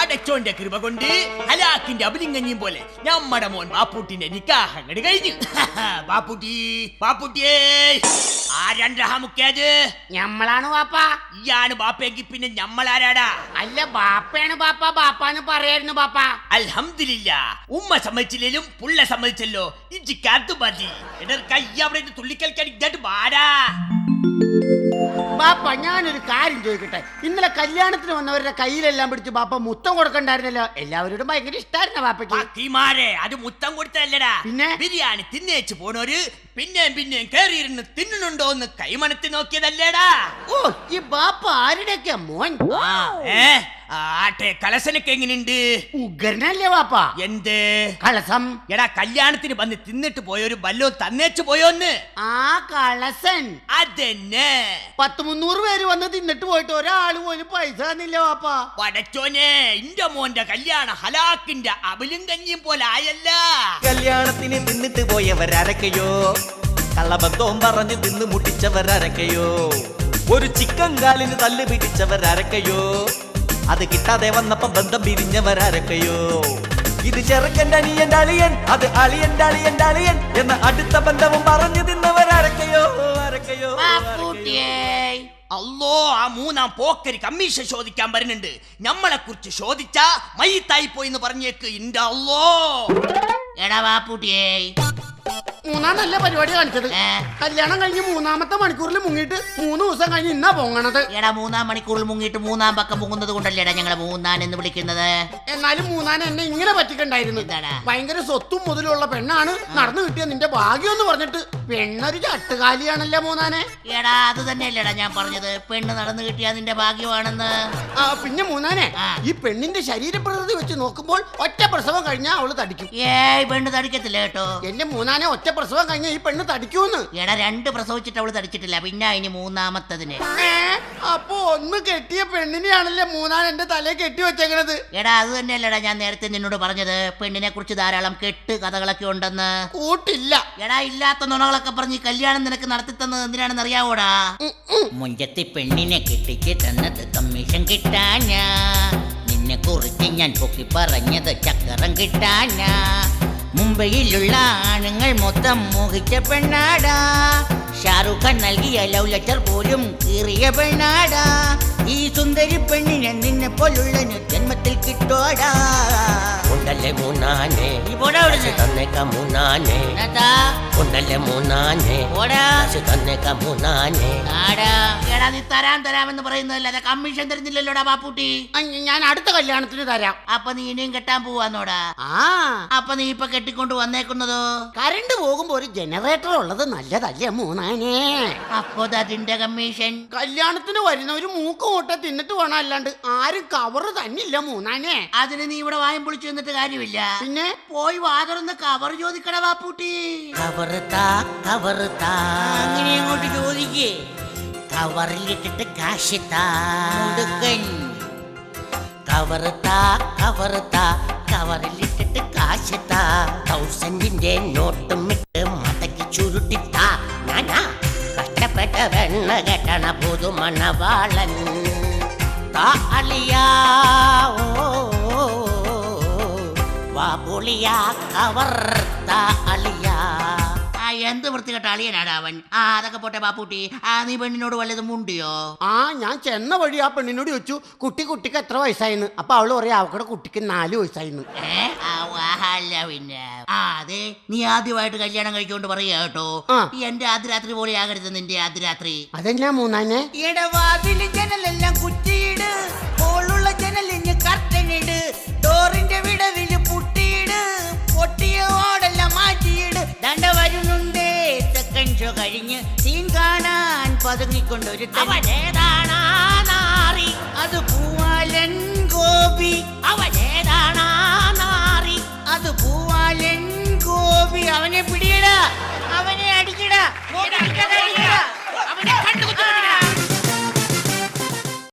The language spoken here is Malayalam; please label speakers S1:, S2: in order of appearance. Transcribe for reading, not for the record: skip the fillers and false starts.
S1: പടച്ചോന്റെ കൃപ കൊണ്ട് ഹലാക്കിന്റെ അബിലിംഗഞ്ഞിയും പോലെ നമ്മടെ മോൻ ബാപ്പൂട്ടിന്റെ നിക്കാഹ് അങ്ങട് കഴിഞ്ഞു. ബാപ്പൂട്ടിയേ ആരണ്ടത്
S2: ഞമ്മളാണ് ബാപ്പ.
S1: ഇയാണ് ബാപ്പയെങ്കിൽ പിന്നെ ഞമ്മളാരാടാ?
S2: അല്ല ബാപ്പയാണ് ബാപ്പ, ബാപ്പാന്ന് പറയായിരുന്നു ബാപ്പ.
S1: അൽഹംദുലില്ലാ, ഉമ്മ സമ്മതിച്ചില്ലേലും പുള്ള സമ്മതിച്ചല്ലോ. ഇജിക്കാത്തു മതി. എടാ കൈ അവിടെ തുള്ളിക്കളിക്കാൻ ഇങ്ങോട്ട് വാടാ.
S2: ബാപ്പ ഞാനൊരു കാര്യം ചോദിക്കട്ടെ, ഇന്നലെ കല്യാണത്തിന് വന്നവരുടെ കയ്യിലെല്ലാം പിടിച്ച് ബാപ്പ മുത്തം കൊടുക്കണ്ടായിരുന്നല്ലോ? എല്ലാവരോടും ഭയങ്കര ഇഷ്ടായിരുന്നു ബാപ്പയ്ക്ക്.
S1: അത് മുത്തം കൊടുത്തല്ലടാ, പിന്നെ ബിരിയാണി തിന്നേച്ച് പോണോര് പിന്നെയും കേറിയിരുന്ന് തിന്നുന്നുണ്ടോ എന്ന് കൈമണത്തി നോക്കിയതല്ലേടാ.
S2: ഓ, ഈ ബാപ്പ ആരുടെയൊക്കെ മോൻ?
S1: ആട്ടെ, കലസനൊക്കെ എങ്ങനെയുണ്ട്?
S2: ഉഗ്രനല്ലേ ബാപ്പ?
S1: എന്ത്
S2: കളസം?
S1: എടാ കല്യാണത്തിന് വന്ന് തിന്നിട്ട് പോയൊരു ബല്ലോ തന്നേച്ചു പോയോന്ന്.
S2: ആ കളസൻ
S1: അതെന്നെ.
S2: 100-300 പേര് വന്ന് തിന്നിട്ട് പോയിട്ട് ഒരാള് പോലും പൈസ തന്നില്ല ബാപ്പ.
S1: പടച്ചോനെ, ഇന്റെ മോന്റെ കല്യാണ ഹലാക്കിന്റെ അബിലും കഞ്ഞിയും പോലെ ആയല്ല.
S3: കല്യാണത്തിന് തിന്നിട്ട് പോയവരരക്കയോ, കള്ളബന്ധവും പറഞ്ഞ് തിന്ന് മുട്ടിച്ചവരരക്കയോ, ഒരു ചിക്കൻ കാലിന് തല്ല് പിടിച്ചവരരക്കയോ, അത് കിട്ടാതെ വന്നപ്പോ ബന്ധം പിരിഞ്ഞവരരക്കയോ, ഇത് ചെറുക്കൻ്റെ അനിയൻ്റെ അളിയൻ, അത് അളിയൻ്റെ അളിയൻ്റെ അളിയൻ എന്ന അടുത്ത ബന്ധവും പറഞ്ഞു തിന്നവരരക്കയോ.
S1: അല്ലോ, ആ മൂന്നാം പോക്കരി കമ്മീഷൻ ചോദിക്കാൻ വരുന്നുണ്ട്. നമ്മളെ കുറിച്ച് ചോദിച്ചാ മയ്യത്തായി പോയിന്ന് പറഞ്ഞേക്ക്. ഇന്റെ അല്ലോ.
S2: എടാ ബാപ്പൂട്ടിയേ, മൂന്നാം നല്ല പരിപാടി കാണിച്ചത്. കല്യാണം കഴിഞ്ഞ് 3-ാമത്തെ മണിക്കൂറിൽ മുങ്ങിയിട്ട് 3 ദിവസം കഴിഞ്ഞ് ഇന്നാ പൊങ്ങണത്.
S4: എടാ 3-ാം മണിക്കൂറിൽ മുങ്ങിയിട്ട് 3-ാം പക്കം പൊങ്ങുന്നത് കൊണ്ടല്ലേടാ ഞങ്ങളെ മൂന്നാൻ എന്ന് വിളിക്കുന്നത്.
S2: എന്നാലും മൂന്നാൻ എന്നെ ഇങ്ങനെ പറ്റിക്കണ്ടായിരുന്നു. ഭയങ്കര സ്വത്തും മുതലുള്ള പെണ്ണാണ്, നടന്നു കിട്ടിയ നിന്റെ ഭാഗ്യം എന്ന് പറഞ്ഞിട്ട് പെണ്ണൊരു ചട്ടുകാലിയാണല്ലോ മൂന്നാനെ.
S4: എടാ അത് തന്നെയല്ലേടാ ഞാൻ പറഞ്ഞത്, പെണ്ണ് നടന്നു കിട്ടിയാ നിന്റെ ഭാഗ്യമാണെന്ന്.
S2: പിന്നെ മൂന്നാനെ, ഈ പെണ്ണിന്റെ ശരീരപ്രകൃതി വെച്ച് നോക്കുമ്പോൾ ഒറ്റ പ്രസവം കഴിഞ്ഞാൽ അവള് തടിക്കും.
S4: പെണ്ണ് തടിക്കത്തില്ല കേട്ടോ
S2: എന്റെ മൂന്നാനെ. ഒറ്റ പ്രസവം കഴിഞ്ഞ ഈ പെണ്ണ് തടിക്കൂന്ന്.
S4: എടാ 2 പ്രസവിച്ചിട്ട് അവള് തടിച്ചിട്ടില്ല, പിന്നെ ഇനി 3-ാമത്തതിന്.
S2: അപ്പൊ ഒന്ന് കെട്ടിയ പെണ്ണിനെയാണല്ലേ മൂന്നാൻ എന്റെ തലയെ കെട്ടി വെച്ചേക്കണത്.
S4: എടാ അത് തന്നെയല്ലടാ ഞാൻ നേരത്തെ നിന്നോട് പറഞ്ഞത്, പെണ്ണിനെ കുറിച്ച് ധാരാളം കെട്ട് കഥകളൊക്കെ ഉണ്ടെന്ന്.
S2: കൂട്ടില്ല.
S4: എടാ ഇല്ലാത്ത നുണകളൊക്കെ പറഞ്ഞ് കല്യാണം നിനക്ക് നടത്തി തന്നത് എന്തിനാണെന്ന് അറിയാവോടാ? മുഞ്ചത്തി പെണ്ണിനെ കെട്ടിച്ച് തന്നത് കമ്മീഷൻ കിട്ടാനാ, നിന്നെ കുറിച്ച് ഞാൻ പൊക്കി പറഞ്ഞത് ചക്കരം കിട്ടാനാ. മുംബൈയിലുള്ള ആണുങ്ങൾ മൊത്തം മോഹിച്ച പെണ്ണാടാ, ഷാറുഖ് ഖാൻ നൽകിയ ലവ് ലെറ്റർ പോലും കീറിയ പെണ്ണാടാ. ഈ സുന്ദരി പെണ്ണിനെ നിന്നെ പോലുള്ള ജന്മത്തിൽ കിട്ടോടാ.
S3: ഉണ്ടല്ലേ മൂന്നാനെ, തന്നേക്കാം മൂന്നാനെ, ഉണ്ടല്ലേ മൂന്നാനെ, തന്നേക്കാം മൂന്നാനെ.
S4: എടാ നീ തരാമെന്ന് പറയുന്നതല്ലാതെ കമ്മീഷൻ തരുന്നില്ലല്ലോടാ ബാപ്പൂട്ടി.
S2: ഞാൻ അടുത്ത കല്യാണത്തിന് തരാം.
S4: അപ്പൊ നീ ഇനിയും കെട്ടാൻ പോവാന്നോടാ? അപ്പൊ നീ ഇപ്പൊ കെട്ടിക്കൊണ്ട് വന്നേക്കുന്നതോ?
S2: കറണ്ട് പോകുമ്പോ ഒരു ജനറേറ്റർ ഉള്ളത് നല്ലതല്ലേ മൂന്നാനെ?
S4: അപ്പൊ അതിന്റെ കമ്മീഷൻ?
S2: കല്യാണത്തിന് വരുന്നവര് മൂക്ക് മുട്ട തിന്നിട്ട് വേണം, അല്ലാണ്ട് ആരും കവറ് തന്നില്ല മൂന്നാനെ.
S4: അതിന് നീ ഇവിടെ വായം പൊളിച്ചു നിന്നിട്ട് കാര്യമില്ല.
S2: പിന്നെ
S4: പോയി വാതുറന്ന് കവർ ചോദിക്കട ബാപ്പൂട്ടി.
S2: അങ്ങനെ അങ്ങോട്ട് ചോദിക്കേ.
S4: കവറിലിട്ടിട്ട് കാശ് താ.
S2: കവറിലിട്ടിട്ട് കാശ് താ. 1000ന്റെ നോട്ടും ഇട്ട് മടക്കി ചുരുട്ടിത്താ. ഞാനാ കഷ്ടപ്പെട്ട വെണ്ണ കെട്ടണ പുതുമണവാളൻ. താളിയാ വാപുളിയാ കവർ താളിയാ.
S4: എന്ത് വൃത്തികെട്ട അളിയനാടാ അവൻ. അതൊക്കെ പോട്ടെ ബാപ്പൂട്ടി, നീ പെണ്ണിനോട് വല്ലതും മുണ്ടിയോ?
S2: ഞാൻ ചെന്ന വഴി ആ പെണ്ണിനോട് ചോദിച്ചു കുട്ടിക്ക് എത്ര വയസ്സായിന്ന്. അപ്പൊ അവള് പറയാ അവക്കടെ കുട്ടിക്ക് 4 വയസ്സായിന്ന്.
S4: പിന്നെ അതെ, നീ ആദ്യമായിട്ട് കല്യാണം കഴിച്ചോണ്ട് പറയാ കേട്ടോ, എന്റെ ആദ്യരാത്രി പോലെ ആകരുത് നിന്റെ ആദ്യരാത്രി.
S2: അതെന്നാ മൂന്നാനെ?
S4: ഇടവാതില് ജനലെല്ലാം കുറ്റിയിട്, ഹോളുള്ള ജനലിന് കർട്ടനിട്, ഡോറിന്റെ വിടവില് പുട്ടിയിട്, പൊട്ടിയ ഓടെല്ലാം മാറ്റിയിട്. ദണ്ട വരുന്നുണ്ടേ സെക്കൻഡ് ഷോ കഴിഞ്ഞ് സീൻ കാണാൻ പതുങ്ങിക്കൊണ്ടൊരു അവനേതാണാറി, അത് പൂവാലൻ ഗോപി. അവനെ